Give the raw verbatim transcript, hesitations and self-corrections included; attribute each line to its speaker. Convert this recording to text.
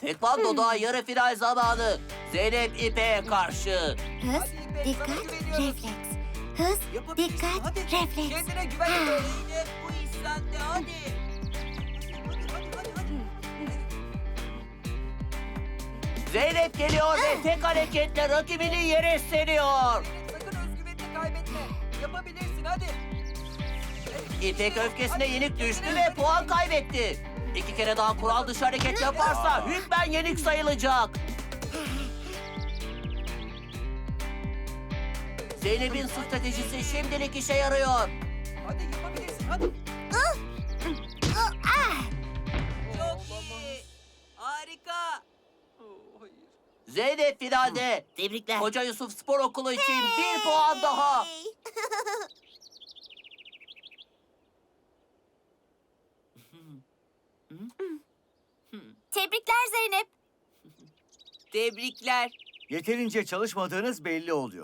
Speaker 1: Tekvando'da yarı final zamanı. Zeynep İpek'e karşı.
Speaker 2: Hız,
Speaker 3: Hadi İpek,
Speaker 2: dikkat,
Speaker 3: sana güveniyoruz.
Speaker 2: refleks. Hız,
Speaker 3: Yapabilirsin,
Speaker 2: dikkat,
Speaker 3: hadi.
Speaker 2: refleks.
Speaker 3: Kendine güven.
Speaker 2: Ha.
Speaker 3: Zeynep bu iş sende hadi. Hadi hadi hadi hadi.
Speaker 1: Zeynep geliyor ve tek hareketle rakibini yere seriyor.
Speaker 3: Zeynep sakın özgüvenini kaybetme. Yapabilirsin hadi. Evet,
Speaker 1: İpek
Speaker 3: işte,
Speaker 1: öfkesine
Speaker 3: hadi.
Speaker 1: yenik düştü
Speaker 3: Kendine
Speaker 1: ve
Speaker 3: güven.
Speaker 1: puan kaybetti. İki kere daha kural dışı hareket yaparsa hükmen yenik sayılacak. Zeynep'in stratejisi şimdilik işe yarıyor.
Speaker 3: Hadi yapabilirsin hadi. Çok iyi. Harika. Oh, hayır.
Speaker 1: Zeynep finalde.
Speaker 2: Tebrikler.
Speaker 1: Koca Yusuf Spor Okulu için bir puan daha.
Speaker 2: Tebrikler Zeynep.
Speaker 1: Tebrikler.
Speaker 4: Yeterince çalışmadığınız belli oluyor.